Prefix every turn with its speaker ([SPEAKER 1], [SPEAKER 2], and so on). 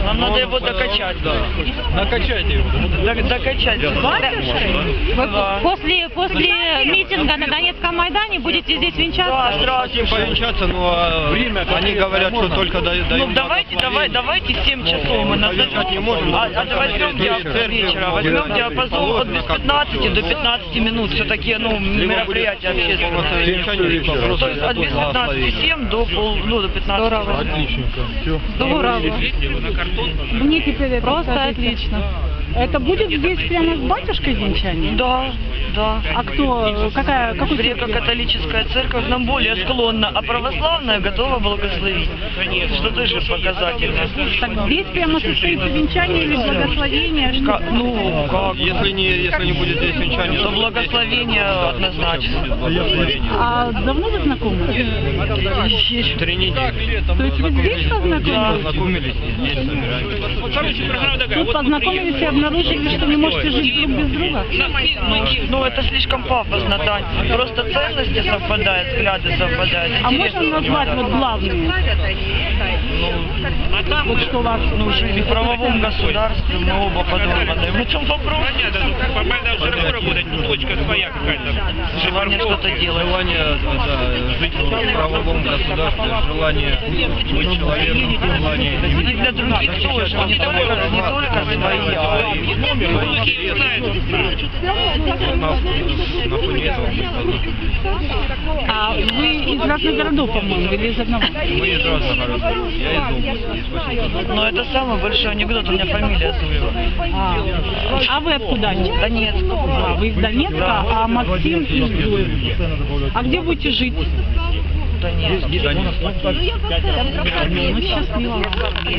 [SPEAKER 1] Нам надо его докачать.
[SPEAKER 2] Да. Накачайте его.
[SPEAKER 1] Докачать.
[SPEAKER 3] Вы после митинга на Донецком Майдане будете здесь венчаться?
[SPEAKER 1] Да, сразу.
[SPEAKER 2] Хотим повенчаться, но они говорят, что только до
[SPEAKER 1] Ну давайте 7 часов мы назовем,
[SPEAKER 2] не можем.
[SPEAKER 1] возьмем вечера, возьмем диапазон от без 15 до 15 минут, все-таки мероприятия общественные. То есть от без 15:07 до 15.
[SPEAKER 4] Отличненько. Все.
[SPEAKER 3] Здорово.
[SPEAKER 5] Мне теперь это
[SPEAKER 3] Просто отлично.
[SPEAKER 5] Это будет здесь прямо с батюшкой венчание?
[SPEAKER 1] Да, да.
[SPEAKER 5] А кто, какой
[SPEAKER 1] Греко-католическая церковь нам более склонна, а православная готова благословить. Что тоже показательно.
[SPEAKER 5] Так здесь прямо состоится венчание или благословение?
[SPEAKER 1] Ну, как?
[SPEAKER 2] Если не будет здесь венчания,
[SPEAKER 1] То благословение однозначно.
[SPEAKER 5] А давно вы знакомы?
[SPEAKER 2] 3 недели.
[SPEAKER 5] То есть вы здесь познакомились?
[SPEAKER 2] Познакомились и здесь собираемся.
[SPEAKER 5] Тут познакомились и обнаружили, что не можете жить друг без друга?
[SPEAKER 1] Ну, это слишком пафосно, Тань. Просто ценности совпадают, взгляды совпадают.
[SPEAKER 5] А можно назвать вот главные? Вот что вас...
[SPEAKER 1] Ну, жизнь в правовом государстве, мы оба подорваны. В этом вопрос.
[SPEAKER 6] Формально все равно работать, но точка своя какая-то.
[SPEAKER 1] Желание что-то делать.
[SPEAKER 2] Желание жить в правовом государстве, желание быть человеком, желание...
[SPEAKER 1] И для других тоже, не только свои, а и
[SPEAKER 2] на фоне этого
[SPEAKER 5] А вы из разных городов, по-моему, или из одного?
[SPEAKER 2] мы из разных городов. Я из области, из Васильковского.
[SPEAKER 1] Но это самый большой анекдот, у меня фамилия Зуева.
[SPEAKER 5] А вы откуда?
[SPEAKER 1] Донецк.
[SPEAKER 5] А, вы из Донецка, а Максим из Зуева. А где будете жить?
[SPEAKER 1] Донецк.
[SPEAKER 5] Ну, счастливо.